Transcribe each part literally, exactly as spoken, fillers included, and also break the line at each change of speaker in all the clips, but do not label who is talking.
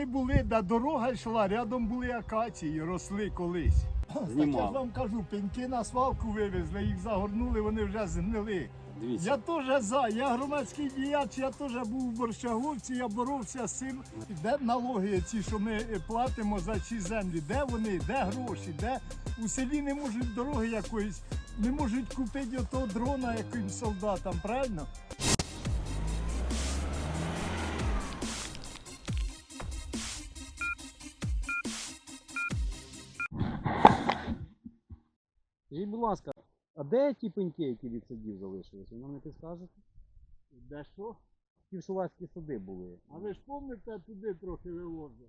Були, де дорога йшла, рядом були акації, росли колись.
Знімав.
Так я ж вам кажу, пеньки на свалку вивезли, їх загорнули, вони вже згнили.
Дивіться.
Я теж за, я громадський діяч, я теж був у Борщаговці, я боровся з цим. Де налоги ці, що ми платимо за ці землі, де вони, де гроші, де у селі не можуть дороги якоїсь, не можуть купити отого дрона якимсь солдатам, правильно?
Скажіть, будь ласка, а де ті пеньки, які від садів залишилися? Ви нам не підскажете?
Де що?
Ті в Шувацькі сади були.
А ви ж пам'ятаєте, туди трохи вивозили?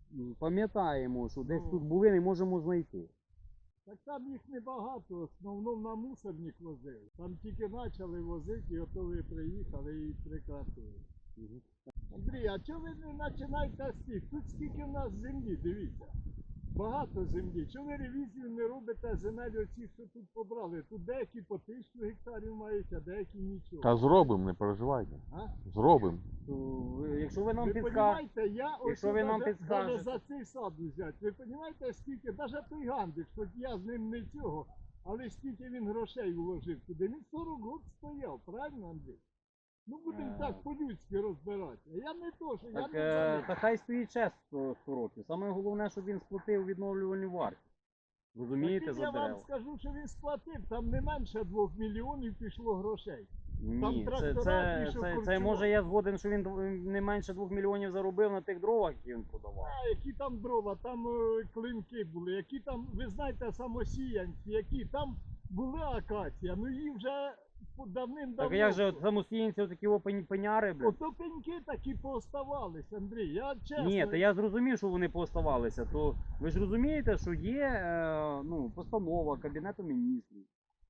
Пам'ятаємо, що десь
Ну.
тут були, не можемо знайти.
Так там їх небагато, в основному на мусорник возили. Там тільки почали возити, і ото ви приїхали і прекратили.
Угу.
Андрій, а чого ви не починаєте з тих? Тут скільки в нас землі, дивіться. Багато землі. Чого ви ревізію не робите земель оці, що тут побрали? Тут деякі по тисячу гектарів мають, а деякі нічого.
Та зробимо, не переживайте.
А?
Зробимо.
То ви- Якщо ви нам
Ви
підскажете,
розумієте, я ось
Якщо ви нам
даже-
підскажете.
даже за цей сад взяти. Ви розумієте, скільки, навіть той Гандик, хоч я з ним не цього, але скільки він грошей вложив туди. Він сорок років стояв, правильно, Андрій? Ну будемо
Е.
так по-людськи розбиратися. Я не то, що
так,
я не
е,
знаю.
та хай стоїть час сто років. Саме головне, щоб він сплатив відновлювальну вартість. Розумієте,
Так,
за
я вам
дерева?
скажу, що він сплатив, там не менше двох мільйонів пішло грошей. там
Ні, це,
трактора
це,
ті, що
це, це
корчували.
може я згоден, що він дв- не менше двох мільйонів заробив на тих дровах, які він продавав.
А які там дрова, там е, клинки були, які там, ви знаєте, самосіянці, які там були акація, ну їх вже давним-давно.
Так як же от самостійці такі опені пеняри, блядь?
Ото пеньки такі пооставались, Андрій, я чесно.
Ні, та я зрозумів, що вони пооставалися. То ви ж розумієте, що є е, ну, постанова Кабінету міністрів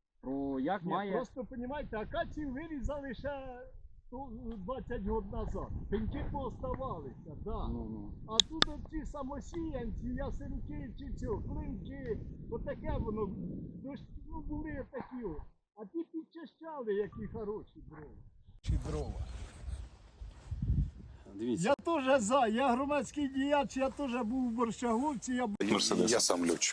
про як
Ні,
має.
просто, розумієте, акацію вирізали ще ну, двадцять років назад. Пеньки пооставалися, да.
Ну, ну.
А тут ці самосіянці, ясенки чи цього, клинки, отаке воно, дощ- ну були такі от. А ті підчищали, які хороші дрова. Чи дрова.
Дивіться.
Я теж за, я громадський діяч, я теж був у Борщаговці, я
Я сам льотчик.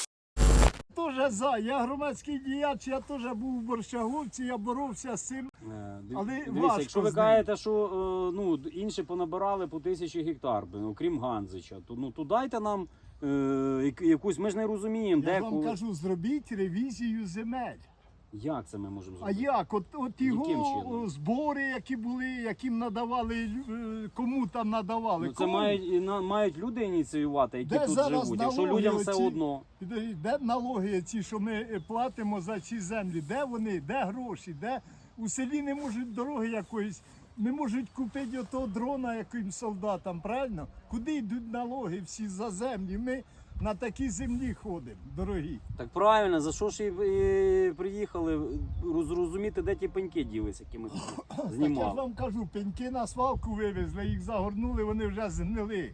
теж за, я громадський діяч, я теж був у Борщаговці, я боровся з цим.
Е, див-
Але
Дивіться,
важко
якщо ви
з ним.
кажете, що е, ну, інші понабирали по тисячі гектар, блін, окрім Ганзича, то, ну, то дайте нам е, як- якусь, ми ж не розуміємо,
Я
де
ж вам
коли.
кажу, зробіть ревізію земель.
Як це ми можемо
А
зробити?
як? От, от
Яким
його
чином?
о, збори, які були, яким надавали, лю- е, кому там надавали.
Ну, це
кому?
мають, і на- мають люди ініціювати, які
Де
тут
зараз
живуть. Якщо
налоги
людям все
оці?
одно.
Підождіть, де налоги ці, що ми е, платимо за ці землі? Де вони? Де гроші? Де у селі не можуть дороги якоїсь, не можуть купити отого дрона якимсь солдатам, правильно? Куди йдуть налоги всі за землі? Ми на такій землі ходимо, дорогі.
Так правильно, за що ж і, і приїхали роз- зрозуміти, де ті пеньки ділися, які ми тут
Так я ж
знімали.
вам кажу, пеньки на свалку вивезли, їх загорнули, вони вже згнили.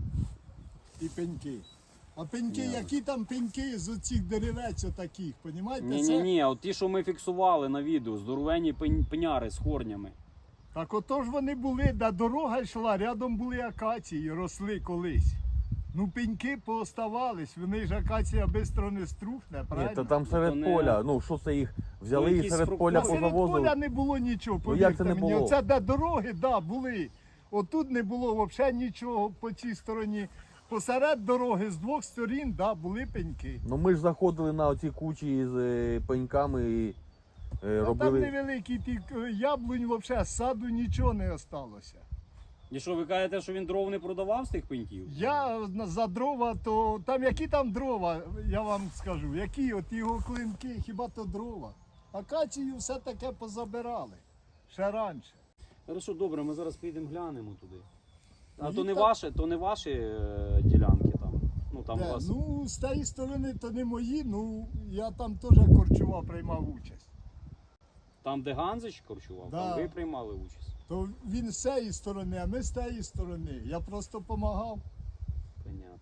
І пеньки. А пеньки,
Ясно.
які там пеньки з оцих деревець отаких, понімаєте?
Ні, ні, ні, от ті, що ми фіксували на відео, здоровенні пень- пеняри з корнями.
Так ото ж вони були, де дорога йшла, рядом були акації, росли колись. Ну пеньки пооставались, вони ж акація швидко не струхне,
Ні,
правильно?
та там серед
То не-
поля, ну що це їх взяли
Ну,
і
якісь
серед
фрукти.
поля
Та серед
позавозили.
поля не було нічого,
Ну, як це
повірте
не
мені.
було?
Оце де дороги, да, були. Отут не було взагалі нічого по цій стороні. Посеред дороги з двох сторін, да, були пеньки.
Ну ми ж заходили на оці кучі з е, пеньками і е,
А там
робили.
невеликий ті е, яблунь, взагалі, з саду нічого не осталося.
І що, ви кажете, що він дров не продавав з тих пеньків?
Я на- за дрова, то там які там дрова, я вам скажу, які от його клинки, хіба то дрова. Акацію все таке позабирали ще раніше.
Хорошо, добре, ми зараз підемо глянемо туди. А
Їх
то не
там-
ваші, то не ваші е, ділянки там. Ну там у
Де?
вас.
Ну, з тієї сторони то не мої, ну я там теж корчував, приймав участь.
Там, де Ганзич корчував,
Да.
там ви приймали участь.
То він з цієї сторони, а ми з тієї сторони. Я просто допомагав.
Понятно.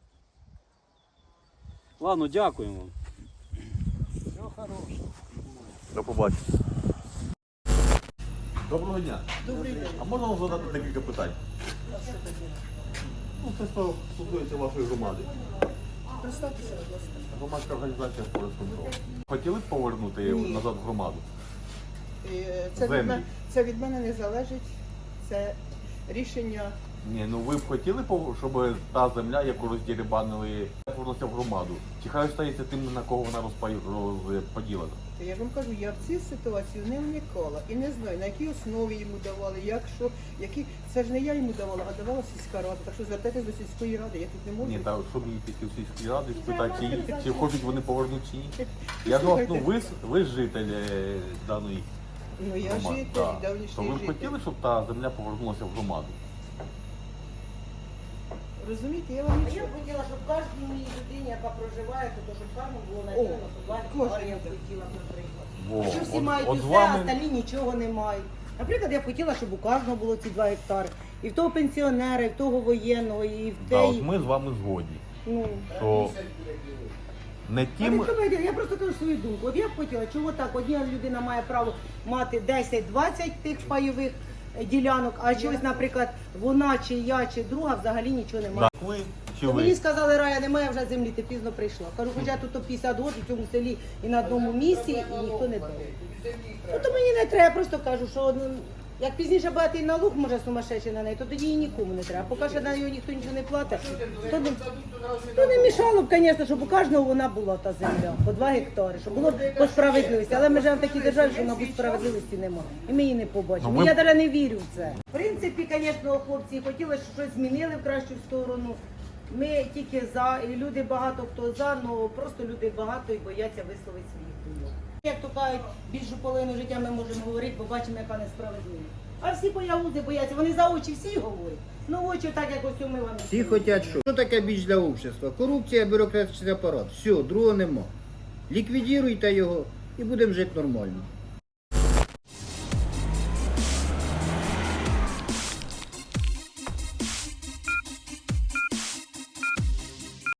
Ладно, дякуємо.
Все хороше.
До побачення. Доброго дня. Добрий день. А можна вам задати декілька питань? Ну, це що стосується вашої громади.
Представтеся, будь ласка.
Громадська організація «Форест Контрол». Хотіли б повернути
Ні.
назад в громаду?
Е, Це від,
Землі.
мене, це від мене не залежить. Це рішення.
Ні, ну ви б хотіли, пов- щоб та земля, яку роздірібанили, повернулася в громаду? Чи хай стається тим, на кого вона розпа- розподілена?
То я ж вам кажу, я в цю ситуацію не вникала і не знаю, на якій основі йому давали, як що, які. Це ж не я йому давала, а давала сільська рада. Так що звертайтесь до сільської ради, я тут не можу.
Ні, та щоб її піти в сільській раді, спитати, чи, чи хочуть вони повернути чи ні. Я ж вас,
Слухайте.
ну ви, ж- ви ж житель е, даної
Ну я
громади.
житель,
да. То
давнішній
ви б
житель.
хотіли, щоб та земля повернулася в громаду?
Розумієте, я вам
А я
нічого.
б хотіла, щоб кожній моїй людині, яка проживає, то щоб кожному було
О,
наділено по два
кожен
гектари, я б
буде.
хотіла, наприклад.
Во,
Якщо всі
от-
мають
от
усе,
з вами-
а остальні нічого не мають. Наприклад, я б хотіла, щоб у кожного було ці два гектари. І в того пенсіонера, і в того воєнного, і в
Да,
те.
от ми з вами згодні,
Ну,
що не
а
тим,
ви що ви, я просто кажу свою думку. От я б хотіла, чого так, одна людина має право мати десять-двадцять тих пайових е, ділянок, а чогось, наприклад, вона чи я, чи друга взагалі нічого не має.
да, ви чи
То
ви.
мені сказали, Рая, немає вже землі, ти пізно прийшла. Кажу, хоча тут то п'ятдесят років в цьому селі і на одному місці, і ніхто не дав. Ну то мені не треба, я просто кажу, що ну, як пізніше багатий налог може сумасшедший на неї, то тоді і нікому не треба. Поки що на нього ніхто нічого не платить, то не, то не мішало б, звісно, щоб у кожного вона була та земля, по два гектари, щоб було б по справедливості. Але ми живемо в такій державі, що, мабуть, справедливості немає. І ми її не побачимо.
Ну, ви-
Я навіть не вірю в це. В принципі, звісно, хлопці хотіли, щоб щось змінили в кращу сторону. Ми тільки за, і люди багато хто за, але просто люди багато і бояться висловити своїх думок. Як то кажуть, більшу половину життя ми можемо говорити, бо бачимо, яка несправедливість. А всі боягузи бояться, вони за очі всі говорять. Ну очі так, як ось ми вам. і
Всі
сказали.
хочуть що? Що таке біч для общества? Корупція, бюрократичний апарат. Все, другого нема. Ліквідіруйте його і будемо жити нормально.